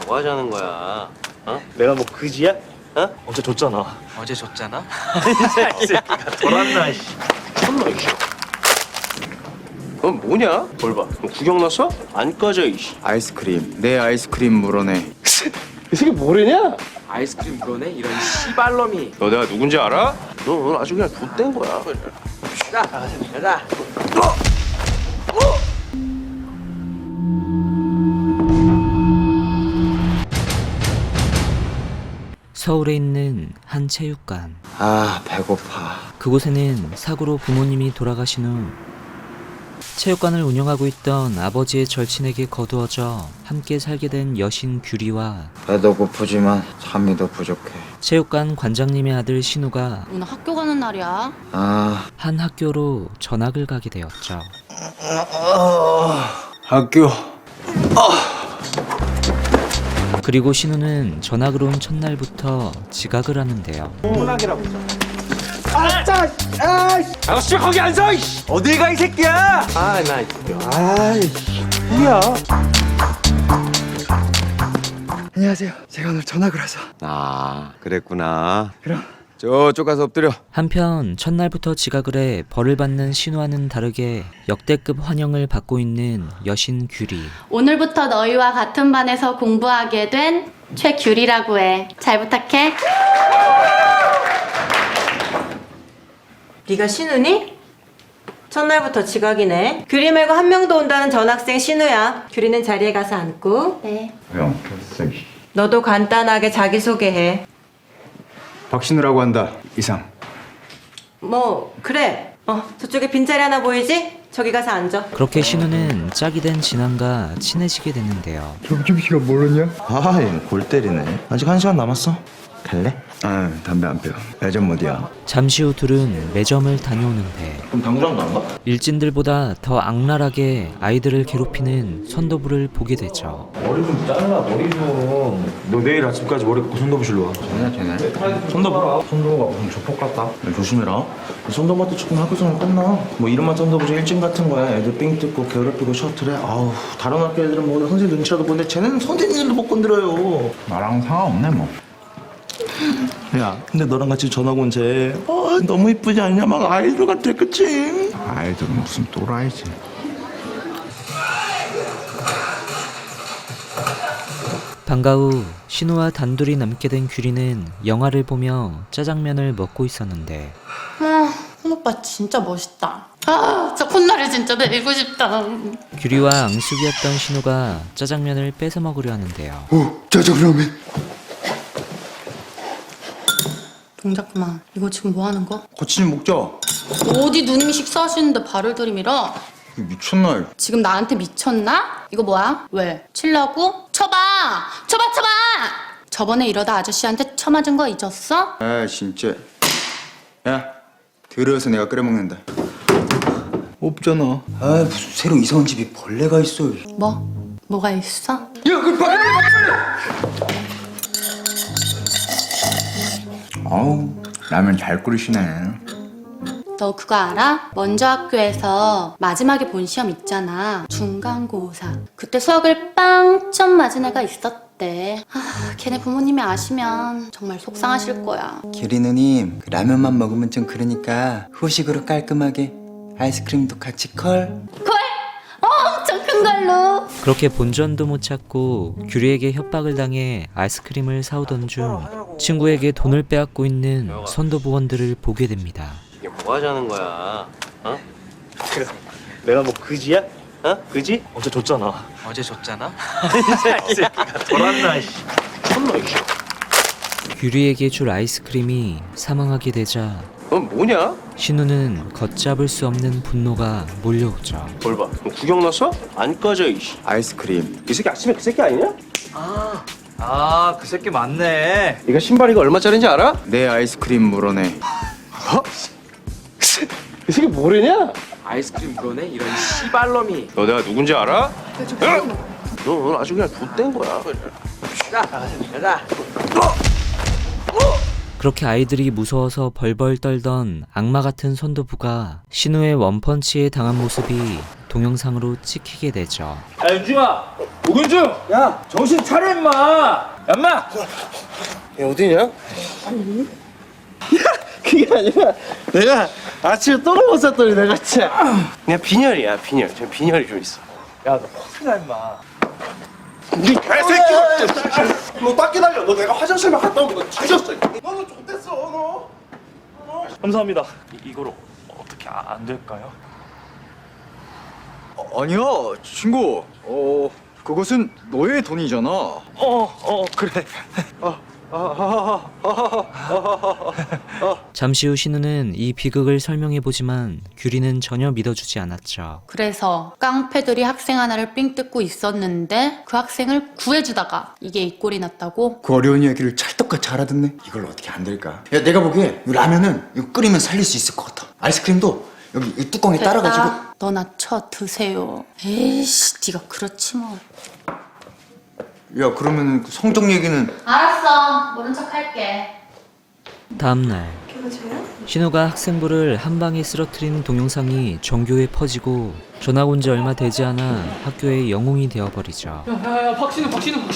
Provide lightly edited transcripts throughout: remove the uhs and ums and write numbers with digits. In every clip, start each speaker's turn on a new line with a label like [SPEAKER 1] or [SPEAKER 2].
[SPEAKER 1] 뭐 하자는 거야? 어?
[SPEAKER 2] 내가 뭐 그지야?
[SPEAKER 1] 어?
[SPEAKER 2] 어제 줬잖아.
[SPEAKER 3] 어제 줬잖아?
[SPEAKER 2] 이 새끼가 돌았나 씨.
[SPEAKER 1] 천나 이씨. 그건 뭐냐? 뭘 봐? 너 구경 났어? 안 꺼져 이씨.
[SPEAKER 4] 아이스크림 내 아이스크림 물어내.
[SPEAKER 1] 이 새끼 뭐래냐?
[SPEAKER 3] 아이스크림 물어내? 이런 씨발놈이.
[SPEAKER 1] 너 내가 누군지 알아? 너 오늘 아주 그냥 좆된 거야.
[SPEAKER 3] 가자.
[SPEAKER 5] 서울에 있는 한 체육관.
[SPEAKER 4] 아 배고파.
[SPEAKER 5] 그곳에는 사고로 부모님이 돌아가신 후 체육관을 운영하고 있던 아버지의 절친에게 거두어져 함께 살게 된 여신 규리와
[SPEAKER 4] 배도 고프지만 잠이 더 부족해.
[SPEAKER 5] 체육관 관장님의 아들 신우가
[SPEAKER 6] 오늘 학교 가는 날이야.
[SPEAKER 4] 아
[SPEAKER 5] 한 학교로 전학을 가게 되었죠.
[SPEAKER 4] 학교.
[SPEAKER 5] 그리고 신우는 전학을 온 첫날부터 지각을 하는데요.
[SPEAKER 2] 아저씨 거기 앉아 이씨. 어딜 가 이 새끼야?
[SPEAKER 1] 아나
[SPEAKER 2] 뭐야?
[SPEAKER 4] 안녕하세요. 제가 오늘 전학을 와서.
[SPEAKER 7] 아, 그랬구나.
[SPEAKER 4] 그럼.
[SPEAKER 7] 저쪽 가서 엎드려.
[SPEAKER 5] 한편 첫날부터 지각을 해 벌을 받는 신우와는 다르게 역대급 환영을 받고 있는 여신 규리.
[SPEAKER 6] 오늘부터 너희와 같은 반에서 공부하게 된 최규리라고 해. 잘 부탁해.
[SPEAKER 8] 네가 신우니? 첫날부터 지각이네. 규리 말고 한 명도 온다는 전학생 신우야. 규리는 자리에 가서 앉고.
[SPEAKER 6] 네.
[SPEAKER 4] 형,
[SPEAKER 8] 너도 간단하게 자기소개해.
[SPEAKER 4] 박신우라고 한다. 이상.
[SPEAKER 8] 뭐 그래. 저쪽에 빈자리 하나 보이지? 저기 가서 앉아.
[SPEAKER 5] 그렇게 신우는 짝이 된 진환과 친해지게 되는데요.
[SPEAKER 4] 점심시간 모르냐?
[SPEAKER 7] 아, 얘는 골 때리네. 아직 1시간 남았어. 갈래?
[SPEAKER 4] 아 담배 안 피워. 예전 못이야.
[SPEAKER 5] 잠시 후 둘은 매점을 다녀오는데
[SPEAKER 7] 그럼 당구장도 안 가?
[SPEAKER 5] 일진들보다 더 악랄하게 아이들을 괴롭히는 선도부를 보게 되죠.
[SPEAKER 7] 머리 좀 잘라, 머리 좀. 너 내일 아침까지 머리 깎고 손도부실로 와.
[SPEAKER 4] 쟤네.
[SPEAKER 7] 손도부? 손도부가 무슨 조폭 같다. 야, 조심해라. 손도부한테 조금 학교생활 끝나. 뭐 이름만 손도부지 일진 같은 거야. 애들 삥 뜯고 괴롭히고 셔틀해. 아우, 다른 학교 애들은 뭐 선생님 눈치라도 보는데 쟤네는 선생님들도 못 건드려요.
[SPEAKER 4] 나랑 상관없네 뭐.
[SPEAKER 7] 야, 근데 너랑 같이 전학 온 쟤 너무 이쁘지 않냐? 막 아이돌 같아, 그치?
[SPEAKER 4] 아이들은 무슨 또라이지.
[SPEAKER 5] 방과 후 신우와 단둘이 남게 된 규리는 영화를 보며 짜장면을 먹고 있었는데
[SPEAKER 6] 홍 오빠 진짜 멋있다. 저 콧날이 진짜 내리고 싶다.
[SPEAKER 5] 규리와 앙숙이었던 신우가 짜장면을 뺏어 먹으려 하는데요.
[SPEAKER 4] 오 짜장라면.
[SPEAKER 6] 동작 그만. 이거 지금 뭐 하는 거?
[SPEAKER 4] 같이 좀 먹자.
[SPEAKER 6] 어디 누님이 식사하시는데 발을 들이밀어?
[SPEAKER 4] 미쳤나?
[SPEAKER 6] 지금 나한테 미쳤나? 이거 뭐야? 왜? 치려고? 쳐봐! 쳐봐! 저번에 이러다 아저씨한테 쳐맞은 거 잊었어?
[SPEAKER 4] 아 진짜. 야 들어서 내가 끓여 먹는다. 없잖아. 아 무슨 새로 이사 온 집에 벌레가 있어.
[SPEAKER 6] 뭐가 있어?
[SPEAKER 4] 야 그 빨리. 아우 라면 잘 끓이시네.
[SPEAKER 6] 너 그거 알아? 먼저 학교에서 마지막에 본 시험 있잖아. 중간고사. 그때 수학을 빵점 맞은 애가 있었대. 걔네 부모님이 아시면 정말 속상하실 거야.
[SPEAKER 4] 규리 누님 그 라면만 먹으면 좀 그러니까 후식으로 깔끔하게 아이스크림도 같이 컬.
[SPEAKER 6] 엄청 큰 걸로.
[SPEAKER 5] 그렇게 본전도 못 찾고 규리에게 협박을 당해 아이스크림을 사오던 중 친구에게 돈을 빼앗고 있는 선도부원들을 보게 됩니다.
[SPEAKER 1] 이게 뭐 하자는 거야? 어?
[SPEAKER 2] 내가 뭐 그지야?
[SPEAKER 1] 어? 그지?
[SPEAKER 2] 어제 줬잖아.
[SPEAKER 3] 어제 줬잖아?
[SPEAKER 2] 이 새끼가 돌았나 씨.
[SPEAKER 1] 천나 이씨.
[SPEAKER 5] 규리에게 줄 아이스크림이 사망하게 되자
[SPEAKER 1] 그건 뭐냐?
[SPEAKER 5] 신우는 걷잡을 수 없는 분노가 몰려오죠.
[SPEAKER 1] 뭘 봐? 너 구경 났어? 안 꺼져 이씨.
[SPEAKER 4] 아이스크림.
[SPEAKER 1] 이 새끼 아침에 그 새끼 아니냐?
[SPEAKER 2] 그 새끼 맞네.
[SPEAKER 1] 이거 신발 이거 얼마짜린지 알아?
[SPEAKER 4] 내 아이스크림 물어내.
[SPEAKER 1] 이 새끼 뭐래냐?
[SPEAKER 3] 아이스크림 물어내? 이런 씨발놈이.
[SPEAKER 1] 너 내가 누군지 알아? 너 오늘 아주 그냥 좆된 거야.
[SPEAKER 3] 가자.
[SPEAKER 5] 그렇게 아이들이 무서워서 벌벌 떨던 악마 같은 선도부가 신우의 원펀치에 당한 모습이 동영상으로 찍히게 되죠.
[SPEAKER 2] 야 윤중아, 오균중, 야 정신 차려 임마. 얌마.
[SPEAKER 1] 야 어디냐? 그게 아니라 내가 아침에 똥을 못 쌌더니 내가 진짜 그냥 빈혈이야 빈혈. 저 빈혈이 좀 있어.
[SPEAKER 2] 야너 확실하 임마.
[SPEAKER 1] 이 개새끼야! 너 딱 기다려. 너 내가 화장실만 갔다 오면 너 뒤졌어. 너는 좋댔어 너.
[SPEAKER 2] 감사합니다. 이거로 어떻게 안 될까요?
[SPEAKER 4] 아니야, 친구. 그것은 너의 돈이잖아.
[SPEAKER 2] 그래.
[SPEAKER 5] 잠시 후 신우는 이 비극을 설명해보지만 규리는 전혀 믿어주지 않았죠.
[SPEAKER 6] 그래서 깡패들이 학생 하나를 삥 뜯고 있었는데 그 학생을 구해주다가 이게 이 꼴이 났다고?
[SPEAKER 4] 그 어려운 이야기를 찰떡같이 알아듣네. 이걸 어떻게 안 될까? 야, 내가 보기에 이 라면은 이거 끓이면 살릴 수 있을 것 같아. 아이스크림도 여기 이 뚜껑에 따라가지고.
[SPEAKER 6] 너나 쳐 드세요. 에이씨 네가 그렇지 뭐.
[SPEAKER 4] 야, 그러면 그 성적 얘기는.
[SPEAKER 6] 알았어. 모른 척 할게.
[SPEAKER 5] 다음날 신우가 학생부를 한 방에 쓰러뜨린 동영상이 전교에 퍼지고 전학 온 지 얼마 되지 않아 학교의 영웅이 되어버리죠.
[SPEAKER 9] 야야야 박신우.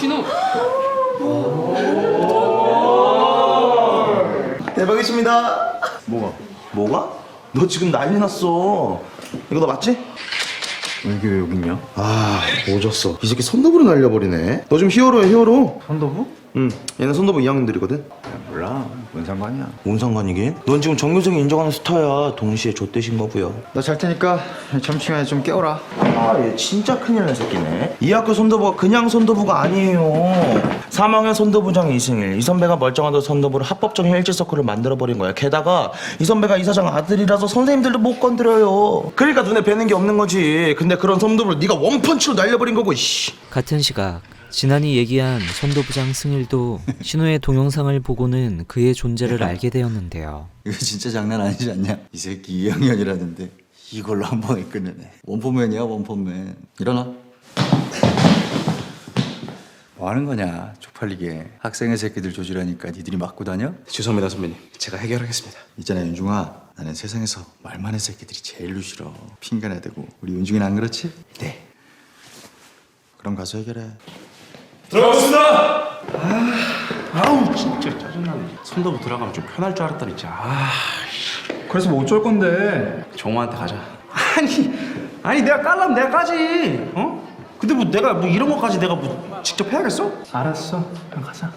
[SPEAKER 7] 대박이십니다. 뭐가? 너 지금 난리 났어. 이거 너 맞지?
[SPEAKER 4] 이게 왜 여기 있냐?
[SPEAKER 7] 아, 오졌어. 이 새끼 선도부로 날려버리네. 너 지금 히어로야, 히어로.
[SPEAKER 4] 선도부?
[SPEAKER 7] 응, 얘는 선도부 2학년들이거든.
[SPEAKER 4] 몰라, 뭔 상관이야.
[SPEAKER 7] 뭔 상관이긴? 넌 지금 정교생이 인정하는 스타야. 동시에 좆대신 거고요.
[SPEAKER 4] 나 잘 테니까 점심시간에 좀 깨워라.
[SPEAKER 7] 아, 얘 진짜 큰일 난 새끼네. 이 학교 선도부가 그냥 선도부가 아니에요. 3학년 선도부장 이승일. 이 선배가 멀쩡하던 선도부를 합법적인 일지서클을 만들어버린 거야. 게다가 이 선배가 이사장 아들이라서 선생님들도 못 건드려요. 그러니까 눈에 뵈는 게 없는 거지. 근데 그런 선도부를 네가 원펀치로 날려버린 거고, 씨.
[SPEAKER 5] 같은 시각 지난이 얘기한 선도부장 승일도 신우의 동영상을 보고는 그의 존재를 알게 되었는데요.
[SPEAKER 4] 이거 진짜 장난 아니지 않냐? 이 새끼 2학년이라는데 이걸로 한 방에 끝내네. 원포맨이야, 원포맨. 일어나. 뭐 하는 거냐, 쪽팔리게. 학생의 새끼들 조질하니까 니들이 맞고 다녀?
[SPEAKER 1] 죄송합니다 선배님. 제가 해결하겠습니다.
[SPEAKER 4] 있잖아, 윤중아. 나는 세상에서 말 많은 새끼들이 제일로 싫어. 핑계나 대고. 우리 윤중이는 안 그렇지? 네. 그럼 가서 해결해.
[SPEAKER 1] 들어갔습니다. 아우 진짜 짜증나네. 선도부 들어가면 좀 편할 줄 알았더니 진짜.
[SPEAKER 2] 그래서 뭐 어쩔 건데?
[SPEAKER 1] 정우한테 가자.
[SPEAKER 2] 아니 내가 깔라면 내가 까지. 어? 근데 뭐 내가 뭐 이런 것까지 내가 뭐 직접 해야겠어? 알았어. 그냥 가자.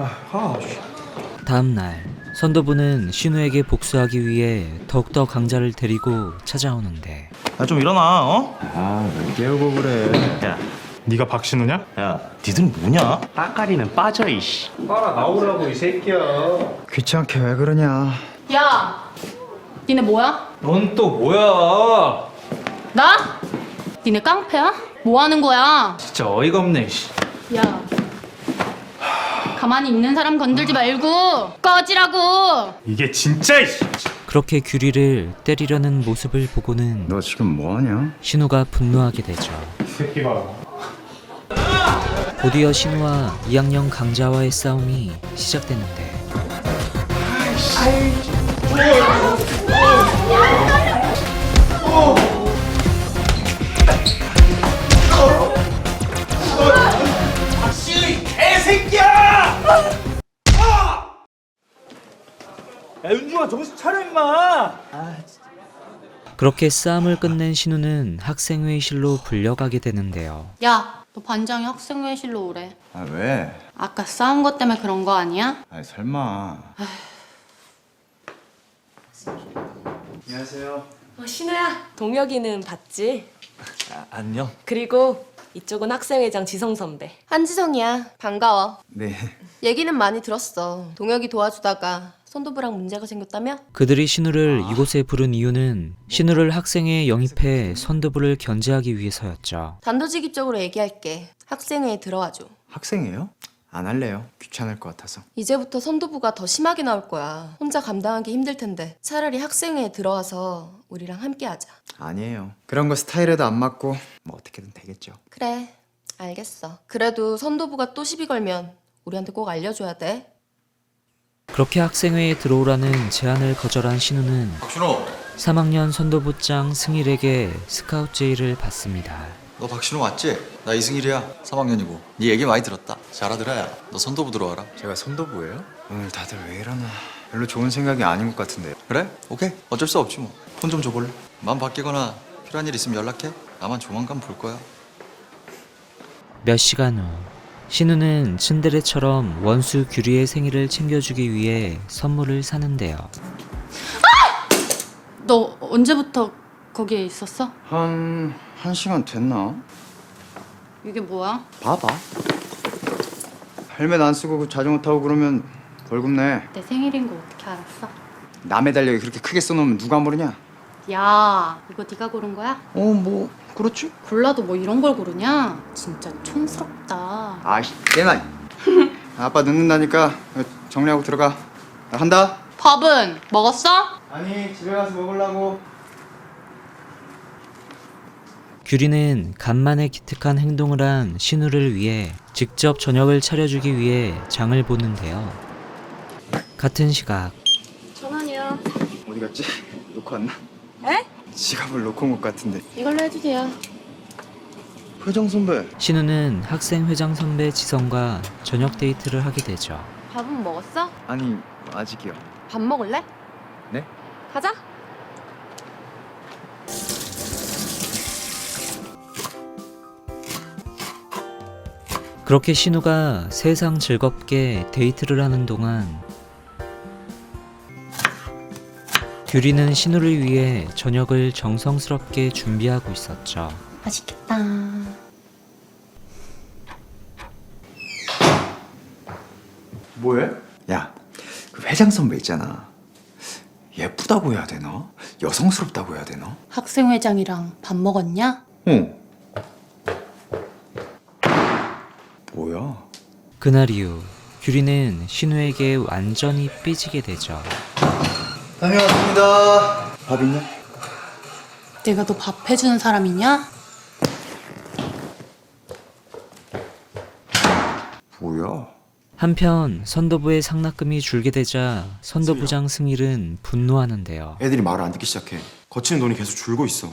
[SPEAKER 5] 다음날 선도부는 신우에게 복수하기 위해 더욱더 강자를 데리고 찾아오는데
[SPEAKER 7] 야, 좀 일어나, 어?
[SPEAKER 4] 아, 왜 깨우고 그래.
[SPEAKER 7] 야,
[SPEAKER 2] 네가 박신우냐?
[SPEAKER 7] 야, 니들 뭐냐?
[SPEAKER 1] 따까리는 빠져 이씨.
[SPEAKER 2] 빨아 나오라고 이 새끼야.
[SPEAKER 4] 귀찮게 왜 그러냐.
[SPEAKER 6] 야, 니네 뭐야?
[SPEAKER 2] 넌 또 뭐야?
[SPEAKER 6] 나? 니네 깡패야? 뭐 하는 거야?
[SPEAKER 2] 진짜 어이가 없네.
[SPEAKER 6] 야, 가만히 있는 사람 건들지 말고 꺼지라고.
[SPEAKER 2] 이게 진짜 이씨.
[SPEAKER 5] 그렇게 규리를 때리려는 모습을 보고는
[SPEAKER 4] 너 지금 뭐 하냐?
[SPEAKER 5] 신우가 분노하게 되죠.
[SPEAKER 2] 이 새끼 봐.
[SPEAKER 5] 곧이어 신우와 2학년 강자와의 싸움이 시작되는데
[SPEAKER 2] 야 윤중아 정신 차려 임마.
[SPEAKER 5] 그렇게 싸움을 끝낸 신우는 학생회의실로 불려가게 되는데요.
[SPEAKER 6] 야, 너 반장이 학생회의실로 오래.
[SPEAKER 4] 아, 왜?
[SPEAKER 6] 아까 싸운 것 때문에 그런 거 아니야?
[SPEAKER 4] 아이, 설마. 안녕하세요.
[SPEAKER 10] 신우야, 동혁이는 봤지?
[SPEAKER 2] 안녕.
[SPEAKER 10] 그리고 이쪽은 학생회장 지성 선배.
[SPEAKER 11] 한지성이야. 반가워.
[SPEAKER 4] 네.
[SPEAKER 11] 얘기는 많이 들었어. 동혁이 도와주다가 선도부랑 문제가 생겼다며?
[SPEAKER 5] 그들이 신우를 이곳에 부른 이유는 신우를 학생회에 영입해 선도부를 견제하기 위해서였죠.
[SPEAKER 11] 단도직입적으로 얘기할게. 학생회에 들어와줘.
[SPEAKER 4] 학생이에요? 안 할래요. 귀찮을 것 같아서.
[SPEAKER 11] 이제부터 선도부가 더 심하게 나올 거야. 혼자 감당하기 힘들 텐데 차라리 학생회에 들어와서 우리랑 함께 하자.
[SPEAKER 4] 아니에요. 그런 거 스타일에도 안 맞고 뭐 어떻게든 되겠죠.
[SPEAKER 11] 그래, 알겠어. 그래도 선도부가 또 시비 걸면 우리한테 꼭 알려줘야 돼.
[SPEAKER 5] 그렇게 학생회에 들어오라는 제안을 거절한 신우는
[SPEAKER 4] 박준호,
[SPEAKER 5] 3학년 선도부장 승일에게 스카우트 제의를 받습니다.
[SPEAKER 9] 너 박신호 맞지? 나 이승일이야. 3학년이고. 네 얘기 많이 들었다. 잘하더라. 너 선도부 들어와라.
[SPEAKER 4] 제가 선도부예요? 오늘 다들 왜 이러나. 별로 좋은 생각이 아닌 것 같은데.
[SPEAKER 9] 그래? 오케이. 어쩔 수 없지 뭐. 폰 좀 줘볼래? 마음 바뀌거나 필요한 일 있으면 연락해. 나만 조만간 볼 거야.
[SPEAKER 5] 몇 시간 후 신우는 츤데레처럼 원수 규리의 생일을 챙겨주기 위해 선물을 사는데요.
[SPEAKER 6] 너 언제부터 거기에 있었어?
[SPEAKER 4] 한 시간 됐나?
[SPEAKER 6] 이게 뭐야?
[SPEAKER 4] 봐봐. 헬멧 안 쓰고 자전거 타고 그러면 벌금 내.
[SPEAKER 6] 내 생일인 거 어떻게 알았어?
[SPEAKER 4] 남의 달력에 그렇게 크게 써놓으면 누가 모르냐?
[SPEAKER 6] 야, 이거 네가 고른 거야?
[SPEAKER 4] 뭐 그렇지.
[SPEAKER 6] 골라도 뭐 이런 걸 고르냐? 진짜 촌스럽다.
[SPEAKER 4] 아씨, 얘나. 아빠 늦는다니까 정리하고 들어가. 나 간다.
[SPEAKER 6] 밥은 먹었어?
[SPEAKER 4] 아니, 집에 가서 먹으려고.
[SPEAKER 5] 규리는 간만에 기특한 행동을 한 신우를 위해 직접 저녁을 차려주기 위해 장을 보는데요. 같은 시각
[SPEAKER 11] 전화니요.
[SPEAKER 4] 어디 갔지? 놓고 왔나?
[SPEAKER 11] 에?
[SPEAKER 4] 지갑을 놓고 온 것 같은데.
[SPEAKER 11] 이걸로 해주세요.
[SPEAKER 4] 회장 선배.
[SPEAKER 5] 신우는 학생 회장 선배 지성과 저녁 데이트를 하게 되죠.
[SPEAKER 11] 밥은 먹었어?
[SPEAKER 4] 아니, 아직이요.
[SPEAKER 11] 밥 먹을래?
[SPEAKER 4] 네?
[SPEAKER 11] 가자.
[SPEAKER 5] 그렇게 신우가 세상 즐겁게 데이트를 하는 동안 규리는 신우를 위해 저녁을 정성스럽게 준비하고 있었죠.
[SPEAKER 6] 맛있겠다.
[SPEAKER 4] 뭐해? 야, 그 회장 선배 있잖아. 예쁘다고 해야 되나? 여성스럽다고 해야 되나?
[SPEAKER 6] 학생회장이랑 밥 먹었냐?
[SPEAKER 4] 어. 뭐야?
[SPEAKER 5] 그날 이후 규리는 신우에게 완전히 삐지게 되죠.
[SPEAKER 4] 다녀왔습니다. 밥 있냐?
[SPEAKER 6] 내가 너 밥 해주는 사람이냐?
[SPEAKER 4] 뭐야?
[SPEAKER 5] 한편 선도부의 상납금이 줄게 되자 선도부장 승일은 분노하는데요.
[SPEAKER 1] 애들이 말을 안 듣기 시작해. 거치는 돈이 계속 줄고 있어.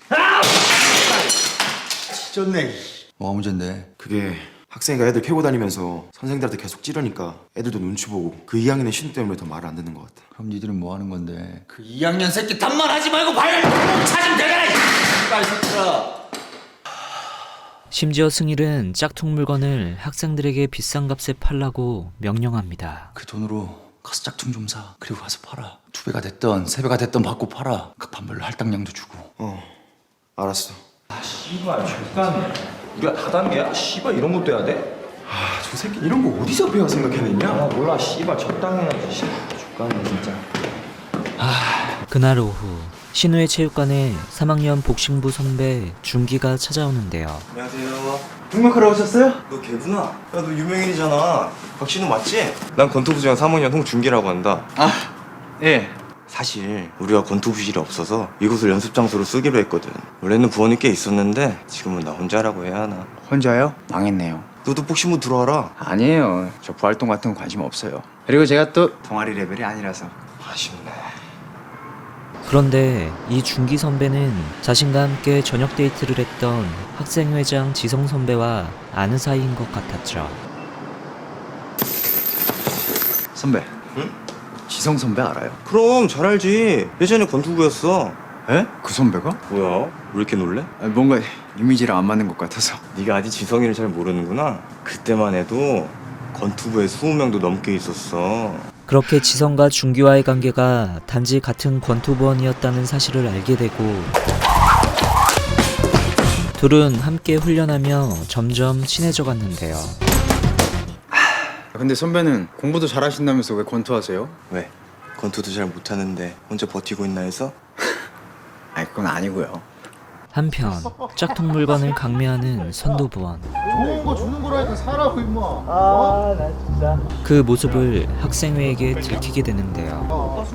[SPEAKER 4] 졌네.
[SPEAKER 9] 뭐가 문제인데?
[SPEAKER 1] 그게 학생이가 애들 캐고 다니면서 선생들한테 계속 찌르니까 애들도 눈치 보고 그 2학년의 신우 때문에 더 말을 안 듣는 것 같아.
[SPEAKER 9] 그럼 니들은 뭐 하는 건데?
[SPEAKER 3] 그 2학년 새끼 단말하지 말고 발목 찾으면 되잖아. 빨리 새끼들아.
[SPEAKER 5] 심지어 승일은 짝퉁 물건을 학생들에게 비싼 값에 팔라고 명령합니다.
[SPEAKER 9] 그 돈으로 가서 짝퉁 좀 사. 그리고 가서 팔아. 2배가 됐던 3배가 됐던 받고 팔아. 각 판별로 할당량도 주고.
[SPEAKER 1] 알았어.
[SPEAKER 7] 씨발 족같네. 우리가 다단계야? 씨발 이런 것도 해야 돼?
[SPEAKER 1] 저 새끼 이런 거 어디서 배워 생각해냈냐?
[SPEAKER 7] 아 몰라 씨발 적당해야지. 씨발 족같네 진짜.
[SPEAKER 5] 그날 오후 신우의 체육관에 3학년 복싱부 선배 준기가 찾아오는데요.
[SPEAKER 1] 안녕하세요. 등록하러 오셨어요? 너 걔구나. 야, 너 유명인이잖아. 박신우 맞지? 난 권투부장 3학년 홍준기라고 한다.
[SPEAKER 4] 예.
[SPEAKER 1] 사실 우리가 권투부실이 없어서 이곳을 연습 장소로 쓰기로 했거든. 원래는 부원이 꽤 있었는데 지금은 나 혼자라고 해야 하나.
[SPEAKER 4] 혼자요? 망했네요.
[SPEAKER 1] 너도 복싱부 들어와라.
[SPEAKER 4] 아니에요. 저 부활동 같은 거 관심 없어요. 그리고 제가 또 동아리 레벨이 아니라서.
[SPEAKER 1] 아쉽네.
[SPEAKER 5] 그런데 이 준기 선배는 자신과 함께 저녁 데이트를 했던 학생회장 지성 선배와 아는 사이인 것 같았죠.
[SPEAKER 4] 선배.
[SPEAKER 1] 응?
[SPEAKER 4] 지성 선배 알아요?
[SPEAKER 1] 그럼 잘 알지. 예전에 권투부였어.
[SPEAKER 4] 에? 그 선배가?
[SPEAKER 1] 뭐야? 왜 이렇게 놀래?
[SPEAKER 4] 뭔가 이미지랑 안 맞는 것 같아서.
[SPEAKER 1] 네가 아직 지성이를 잘 모르는구나. 그때만 해도 권투부에 20명도 넘게 있었어.
[SPEAKER 5] 그렇게 지성과 준기와의 관계가 단지 같은 권투부원이었다는 사실을 알게 되고 둘은 함께 훈련하며 점점 친해져 갔는데요.
[SPEAKER 4] 근데 선배는 공부도 잘하신다면서 왜 권투하세요?
[SPEAKER 1] 왜? 권투도 잘 못하는데 혼자 버티고 있나 해서?
[SPEAKER 4] 아니 그건 아니고요.
[SPEAKER 5] 한편 짝퉁 물건을 강매하는 선도부원.
[SPEAKER 7] 좋은 거 주는 거라니까 사라고 임마.
[SPEAKER 5] 그 모습을 학생회에게 들키게 되는데요.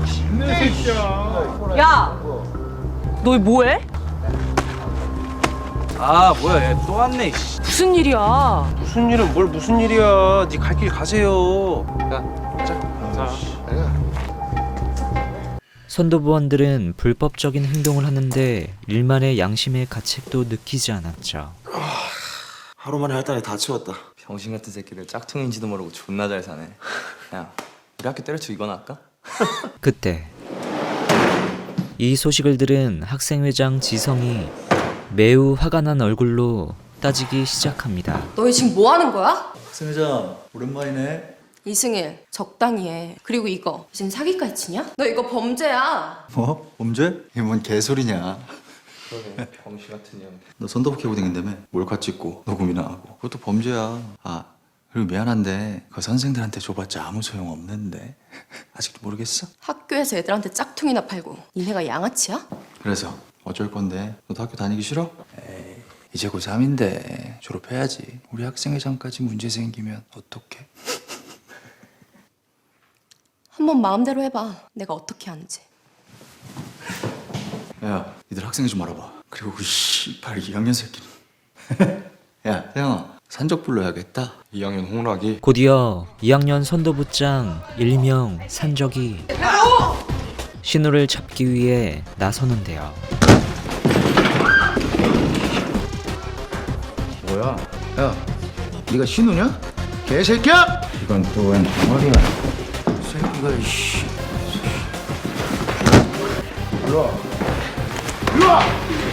[SPEAKER 10] 야! 너 뭐해?
[SPEAKER 3] 아 뭐야 얘 또 왔네.
[SPEAKER 10] 무슨 일이야?
[SPEAKER 2] 무슨 일은 뭘 무슨 일이야. 네 갈 길 가세요.
[SPEAKER 5] 선도부원들은 불법적인 행동을 하는데 일만의 양심의 가책도 느끼지 않았죠.
[SPEAKER 7] 하루 만에 할 달에 다 치웠다.
[SPEAKER 4] 병신 같은 새끼들 짝퉁인지도 모르고 존나 잘 사네. 야, 우리 학교 때려치고 이거나 할까?
[SPEAKER 5] 그때 이 소식을 들은 학생회장 지성이 매우 화가 난 얼굴로 따지기 시작합니다.
[SPEAKER 11] 너희 지금 뭐 하는 거야?
[SPEAKER 4] 학생회장 오랜만이네.
[SPEAKER 11] 이승일, 적당히 해. 그리고 이거 지금 사기까지 치냐? 너 이거 범죄야.
[SPEAKER 4] 뭐? 범죄? 이게 뭔 개소리냐.
[SPEAKER 7] 그러네. 병신 같은 년.
[SPEAKER 4] 너 선도부 캐고 댕긴다며? 몰카 찍고 녹음이나 하고. 그것도 범죄야. 아, 그리고 미안한데 그 선생들한테 줘봤자 아무 소용 없는데. 아직도 모르겠어?
[SPEAKER 11] 학교에서 애들한테 짝퉁이나 팔고 니네가 양아치야?
[SPEAKER 4] 그래서 어쩔 건데? 너도 학교 다니기 싫어? 에이, 이제 고3인데 졸업해야지. 우리 학생회장까지 문제 생기면 어떡해?
[SPEAKER 11] 한번 마음대로 해봐. 내가 어떻게 하는지.
[SPEAKER 4] 야, 니들 학생회 좀 알아봐. 그리고 그 씨발 2학년 새끼는. 야, 태영아, 산적 불러야겠다.
[SPEAKER 7] 2학년 홍락이.
[SPEAKER 5] 곧이어 2학년 선도부장 일명 산적이 신우를 잡기 위해 나서는데요.
[SPEAKER 4] 뭐야? 야, 네가 신우냐? 개새끼야! 이건 또 웬 덩어리야? 새끼가 이씨. 일로 와. 일로 와!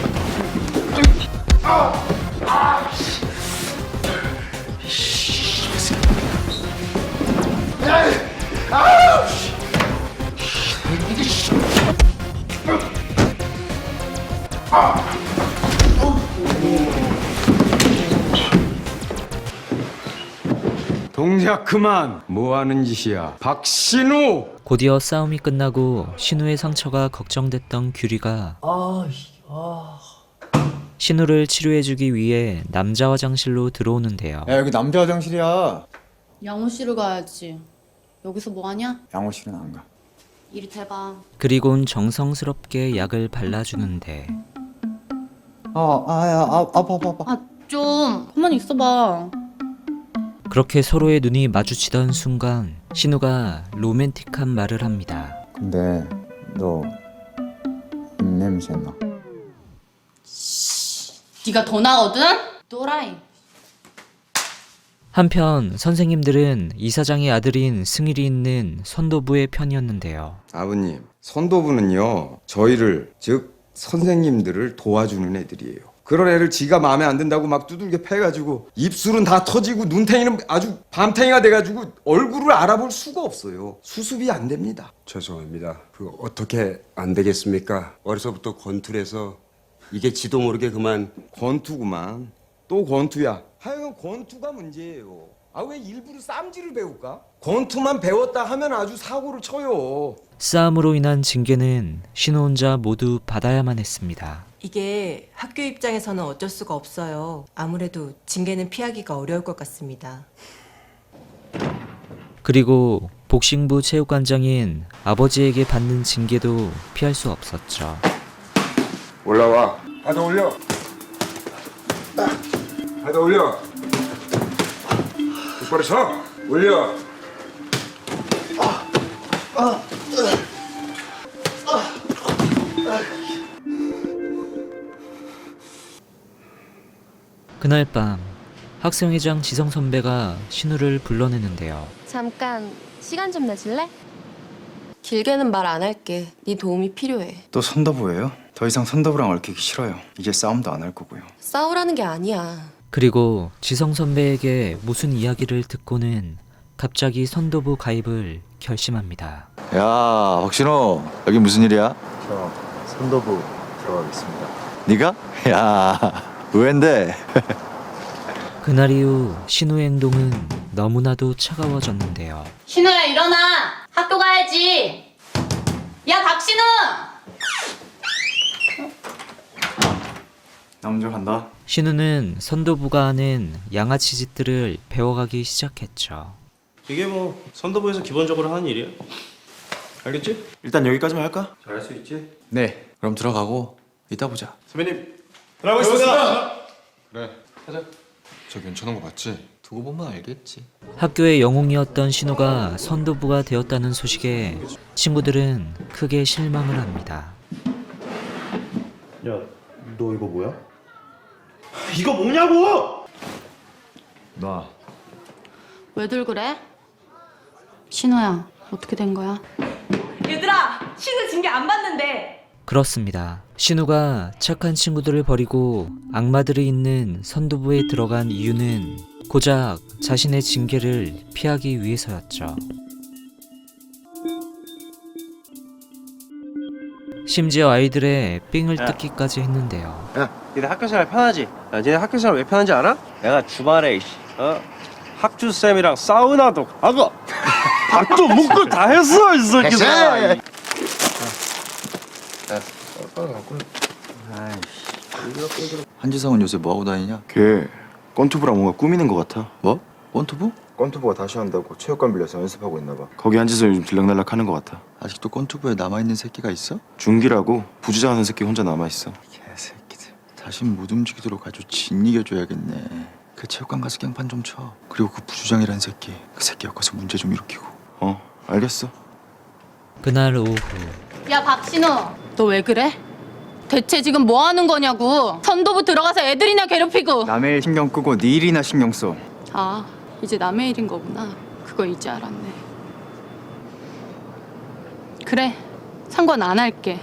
[SPEAKER 12] 동작 그만! 뭐하는 짓이야? 박신우!
[SPEAKER 5] 곧이어 싸움이 끝나고 신우의 상처가 걱정됐던 규리가 신우를 치료해주기 위해 남자 화장실로 들어오는데요.
[SPEAKER 4] 야, 여기 남자 화장실이야.
[SPEAKER 6] 양호실을 가야지. 여기서 뭐 하냐?
[SPEAKER 4] 양호실은 안 가.
[SPEAKER 6] 이리 대봐.
[SPEAKER 5] 그리곤 정성스럽게 약을 발라주는데
[SPEAKER 6] 아, 좀 가만히 있어봐.
[SPEAKER 5] 그렇게 서로의 눈이 마주치던 순간 신우가 로맨틱한 말을 합니다.
[SPEAKER 4] 근데 너 입냄새 나.
[SPEAKER 6] 네가 더 나거든? 또라이.
[SPEAKER 5] 한편 선생님들은 이사장의 아들인 승일이 있는 선도부의 편이었는데요.
[SPEAKER 12] 아버님, 선도부는요, 저희를, 즉 선생님들을 도와주는 애들이에요. 그런 애를 지가 마음에 안 든다고 막 두들겨 패가지고 입술은 다 터지고 눈탱이는 아주 밤탱이가 돼가지고 얼굴을 알아볼 수가 없어요. 수습이 안 됩니다.
[SPEAKER 13] 죄송합니다. 그 어떻게 안 되겠습니까? 어려서부터 권투해서 이게 지도 모르게 그만.
[SPEAKER 12] 권투구만. 또 권투야. 하여간 권투가 문제예요. 아, 왜 일부러 쌈질을 배울까? 권투만 배웠다 하면 아주 사고를 쳐요.
[SPEAKER 5] 싸움으로 인한 징계는 신우 혼자 모두 받아야만 했습니다.
[SPEAKER 8] 이게 학교 입장에서는 어쩔 수가 없어요. 아무래도 징계는 피하기가 어려울 것 같습니다.
[SPEAKER 5] 그리고 복싱부 체육관장인 아버지에게 받는 징계도 피할 수 없었죠.
[SPEAKER 13] 올라와. 하다 올려. 하다 올려. 똑바로 서. 올려.
[SPEAKER 5] 그날 밤 학생회장 지성 선배가 신우를 불러내는데요.
[SPEAKER 11] 잠깐 시간 좀 내줄래? 길게는 말 안 할게. 네 도움이 필요해.
[SPEAKER 4] 또 선도부예요? 더 이상 선도부랑 얽히기 싫어요. 이제 싸움도 안 할 거고요.
[SPEAKER 11] 싸우라는 게 아니야.
[SPEAKER 5] 그리고 지성 선배에게 무슨 이야기를 듣고는 갑자기 선도부 가입을 결심합니다.
[SPEAKER 9] 야, 박신호, 여기 무슨 일이야?
[SPEAKER 4] 저 선도부 들어가겠습니다.
[SPEAKER 9] 네가? 야, 의외인데.
[SPEAKER 5] 그날 이후 신우의 행동은 너무나도 차가워졌는데요.
[SPEAKER 6] 신우야 일어나. 학교 가야지. 야 박신우.
[SPEAKER 4] 나 먼저 간다.
[SPEAKER 5] 신우는 선도부가 하는 양아치 짓들을 배워가기 시작했죠.
[SPEAKER 2] 이게 뭐 선도부에서 기본적으로 하는 일이야. 알겠지?
[SPEAKER 7] 일단 여기까지만 할까?
[SPEAKER 2] 잘할 수 있지?
[SPEAKER 9] 네, 그럼 들어가고 이따 보자.
[SPEAKER 1] 선배님 들어가고 있습니다.
[SPEAKER 12] 그래, 하자. 저 괜찮은 거 맞지?
[SPEAKER 4] 두고 보면 알겠지.
[SPEAKER 5] 학교의 영웅이었던 신우가 선도부가 되었다는 소식에 친구들은 크게 실망을 합니다.
[SPEAKER 2] 야, 너 이거 뭐야? 이거 뭐냐고!
[SPEAKER 4] 놔.
[SPEAKER 6] 왜들 그래? 신호야, 어떻게 된 거야?
[SPEAKER 10] 얘들아, 신우 징계 안 받는데.
[SPEAKER 5] 그렇습니다. 신우가 착한 친구들을 버리고 악마들이 있는 선도부에 들어간 이유는 고작 자신의 징계를 피하기 위해서였죠. 심지어 아이들의 삥을 뜯기까지 했는데요.
[SPEAKER 1] 야, 니네 학교 생활 편하지? 야, 니네 학교 생활 왜 편한지 알아? 내가 주말에 학주 쌤이랑 사우나도 가고 밥도 먹고 다 했어 이 새끼들.
[SPEAKER 4] 한지성은 요새 뭐하고 다니냐?
[SPEAKER 7] 걔 건투부랑 뭔가 꾸미는 것 같아.
[SPEAKER 4] 뭐? 원투부?
[SPEAKER 7] 건투부가 다시 한다고 체육관 빌려서 연습하고 있나 봐. 거기 한지성 요즘 들락날락 하는 것 같아.
[SPEAKER 4] 아직도 건투부에 남아있는 새끼가 있어?
[SPEAKER 7] 중기라고 부주장하는 새끼 혼자 남아있어.
[SPEAKER 4] 개새끼들. 다신 못 움직이도록 아주 진이겨줘야겠네. 그 체육관 가서 깽판 좀 쳐. 그리고 그 부주장이란 새끼, 그 새끼 엮어서 문제 좀 일으키고.
[SPEAKER 7] 알겠어.
[SPEAKER 5] 그날 오후
[SPEAKER 6] 야, 박신호, 너 왜 그래? 대체 지금 뭐 하는 거냐고. 선도부 들어가서 애들이나 괴롭히고.
[SPEAKER 4] 남의 일 신경 끄고 네 일이나 신경 써.
[SPEAKER 6] 아, 이제 남의 일인 거구나. 그거 이제 알았네. 그래, 상관 안 할게.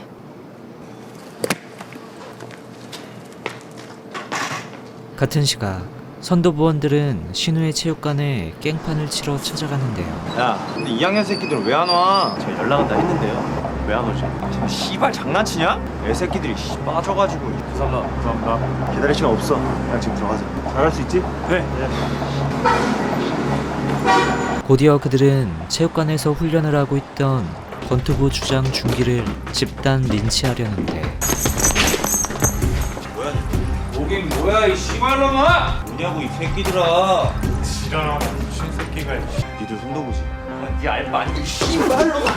[SPEAKER 5] 같은 시각 선도부원들은 신우의 체육관에 깽판을 치러 찾아가는데요.
[SPEAKER 7] 야, 근데 2학년 새끼들은 왜 안 와? 제가 연락 한다 했는데요. 왜 안 오지? 지금 씨발 장난치냐? 애 새끼들이 빠져가지고. 죄송합니다. 기다릴 시간 없어. 그냥 지금 들어가자. 잘할 수 있지? 네.
[SPEAKER 5] 곧이어 그들은 체육관에서 훈련을 하고 있던 권투부 주장 준기를 집단 린치하려는데
[SPEAKER 3] 오긴 뭐야 이 씨발놈아!
[SPEAKER 1] 뭐냐고 이 새끼들아.
[SPEAKER 2] 지랄하는 미친 새끼가.
[SPEAKER 7] 니들 손도부지.
[SPEAKER 1] 네 알바 아니고 씨발놈아.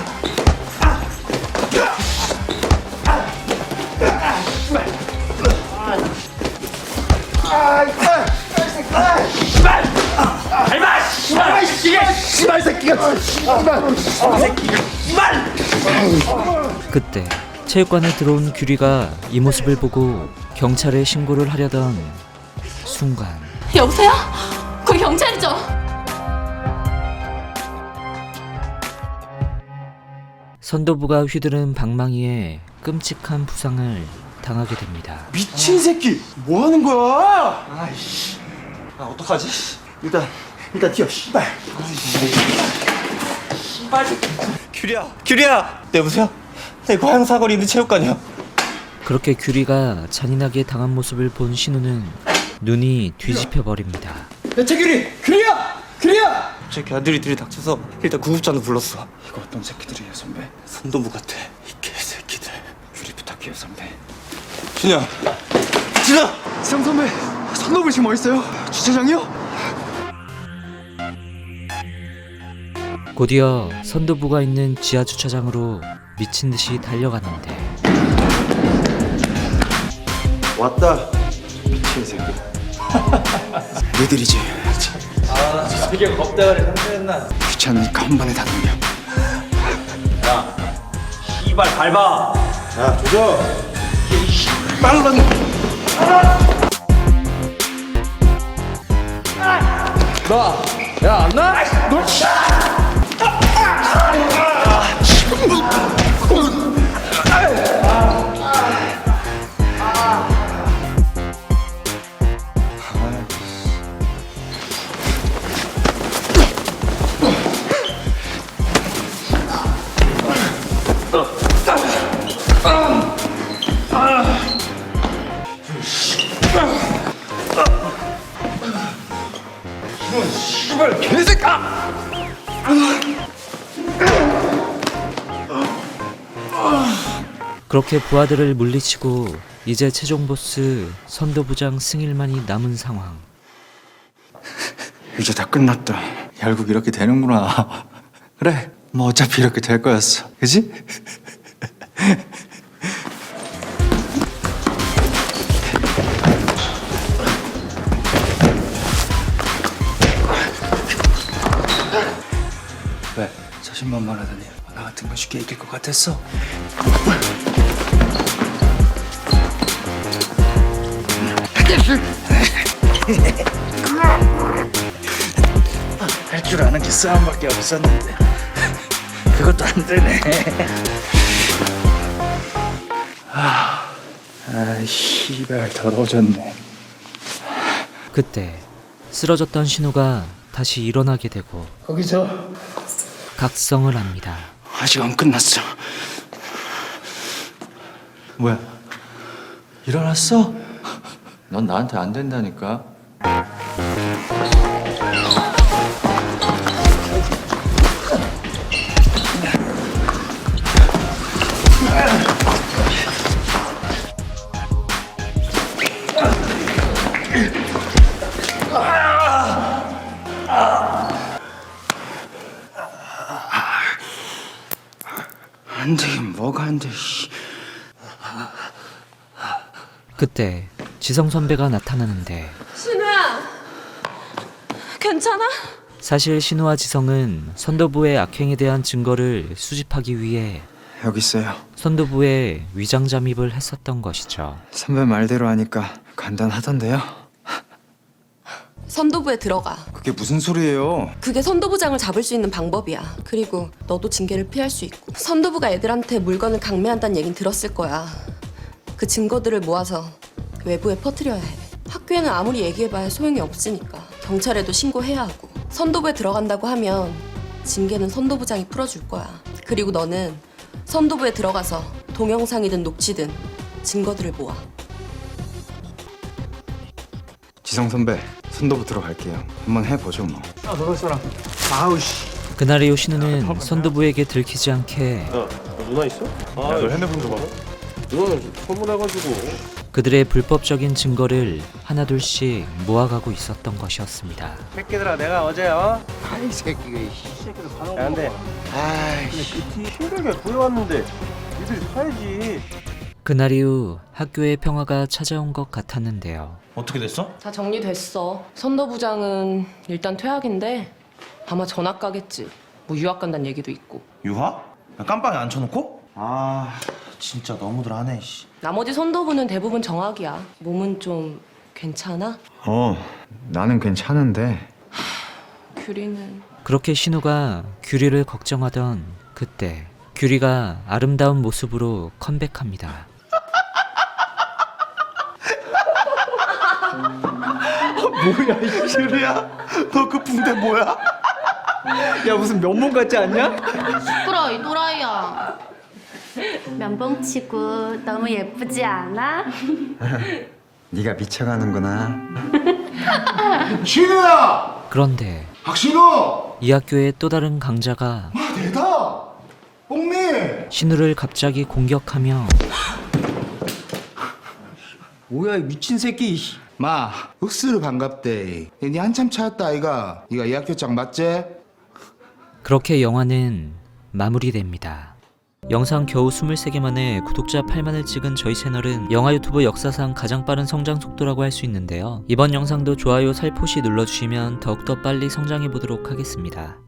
[SPEAKER 5] 그때 체육관에 들어온 규리가 이 모습을 보고 경찰에 신고를 하려던 순간
[SPEAKER 6] 여보세요? 거기 경찰이죠?
[SPEAKER 5] 선도부가 휘두른 방망이에 끔찍한 부상을 당하게 됩니다.
[SPEAKER 1] 미친 새끼 뭐 하는 거야? 아이씨. 아 어떡하지? 일단 튀어 씨발. 씨발. 규리야. 네 여보세요? 네 고향 사거리 있는 체육관이요.
[SPEAKER 5] 그렇게 규리가 잔인하게 당한 모습을 본 신우는 눈이 뒤집혀 버립니다.
[SPEAKER 1] 규리야. 제 걔들이 닥쳐서 일단 구급차도 불렀어.
[SPEAKER 4] 이거 어떤 새끼들이야 선배?
[SPEAKER 1] 선도부 같아 이 개새끼들. 규리 부탁해요 선배. 준영.
[SPEAKER 4] 성 선배, 선도부 지금 어딨어요? 주차장이요?
[SPEAKER 5] 곧이어 선도부가 있는 지하 주차장으로 미친 듯이 달려가는데
[SPEAKER 7] 왔다. 미친 새끼.
[SPEAKER 4] 너희들이지.
[SPEAKER 1] 되게 겁대가리 상태였나?
[SPEAKER 4] 귀찮으니까 한 번에 다 넘겨.
[SPEAKER 1] 씨발 밟아.
[SPEAKER 7] 야, 조져.
[SPEAKER 5] 그렇게 부하들을 물리치고 이제 최종 보스 선도부장 승일만이 남은 상황.
[SPEAKER 4] 이제 다 끝났다. 결국 이렇게 되는구나. 그래, 뭐 어차피 이렇게 될 거였어. 그지? 왜? 자신만만하더니 나 같은 거 쉽게 이길 것 같았어? 할 줄 아는 게 싸움밖에 없었는데 그것도 안 되네. 씨발 더러워졌네.
[SPEAKER 5] 그때 쓰러졌던 신우가 다시 일어나게 되고
[SPEAKER 4] 거기서
[SPEAKER 5] 각성을 합니다.
[SPEAKER 4] 아직 안 끝났어. 뭐야? 일어났어? 넌 나한테 안 된다니까.
[SPEAKER 12] 안 되긴 뭐가 안 돼.
[SPEAKER 5] 그때 지성 선배가 나타나는데
[SPEAKER 11] 신우야, 괜찮아?
[SPEAKER 5] 사실 신우와 지성은 선도부의 악행에 대한 증거를 수집하기 위해
[SPEAKER 12] 여기 있어요.
[SPEAKER 5] 선도부에 위장 잠입을 했었던 것이죠.
[SPEAKER 12] 선배 말대로 하니까 간단하던데요.
[SPEAKER 11] 선도부에 들어가.
[SPEAKER 12] 그게 무슨 소리예요?
[SPEAKER 11] 그게 선도부장을 잡을 수 있는 방법이야. 그리고 너도 징계를 피할 수 있고. 선도부가 애들한테 물건을 강매한다는 얘긴 들었을 거야. 그 증거들을 모아서 외부에 퍼뜨려야 해. 학교에는 아무리 얘기해봐야 소용이 없으니까. 경찰에도 신고해야 하고. 선도부에 들어간다고 하면 징계는 선도부장이 풀어줄 거야. 그리고 너는 선도부에 들어가서 동영상이든 녹취든 증거들을 모아.
[SPEAKER 12] 지성 선배, 선도부 들어갈게요. 한번 해보죠 뭐.
[SPEAKER 5] 그날 이후 신우는 선도부에게 들키지 않게
[SPEAKER 1] 누나 있어? 너 핸드폰 줘봐. 누나는 좀 소문해가지고.
[SPEAKER 5] 그들의 불법적인 증거를 하나둘씩 모아가고 있었던 것이었습니다.
[SPEAKER 1] 새끼들아, 내가 어제
[SPEAKER 12] 아이 새끼가
[SPEAKER 1] 야, 근데 아이씨 힘들게 구해왔는데 니들이 사야지.
[SPEAKER 5] 그날 이후 학교에 평화가 찾아온 것 같았는데요.
[SPEAKER 2] 어떻게 됐어?
[SPEAKER 11] 다 정리됐어. 선도부장은 일단 퇴학인데 아마 전학 가겠지. 뭐 유학 간다는 얘기도 있고.
[SPEAKER 2] 유학? 야, 깜빵에 앉혀놓고? 아 진짜 너무들 하네. 씨.
[SPEAKER 11] 나머지 선도부는 대부분 정학이야. 몸은 좀 괜찮아?
[SPEAKER 12] 나는 괜찮은데.
[SPEAKER 11] 규리는
[SPEAKER 5] 그렇게 신우가 규리를 걱정하던 그때 규리가 아름다운 모습으로 컴백합니다.
[SPEAKER 2] 뭐야 이 규리야? 너 그 붕대 뭐야?
[SPEAKER 4] 야 무슨 면목 같지 않냐?
[SPEAKER 6] 시끄러 이 또라이야. 면봉치고 너무 예쁘지 않아?
[SPEAKER 12] 네가 미쳐가는구나.
[SPEAKER 13] 신우야!
[SPEAKER 5] 그런데
[SPEAKER 13] 박신우!
[SPEAKER 5] 이 학교의 또 다른 강자가
[SPEAKER 13] 대다! 뽕미!
[SPEAKER 5] 신우를 갑자기 공격하며
[SPEAKER 13] 뭐야 이 미친 새끼. 마, 흑수를 반갑대. 니 한참 찾았다 아이가. 니가 이 학교 장 맞지?
[SPEAKER 5] 그렇게 영화는 마무리됩니다. 영상 겨우 23개 만에 구독자 8만을 찍은 저희 채널은 영화 유튜브 역사상 가장 빠른 성장 속도라고 할 수 있는데요. 이번 영상도 좋아요 살포시 눌러주시면 더욱더 빨리 성장해보도록 하겠습니다.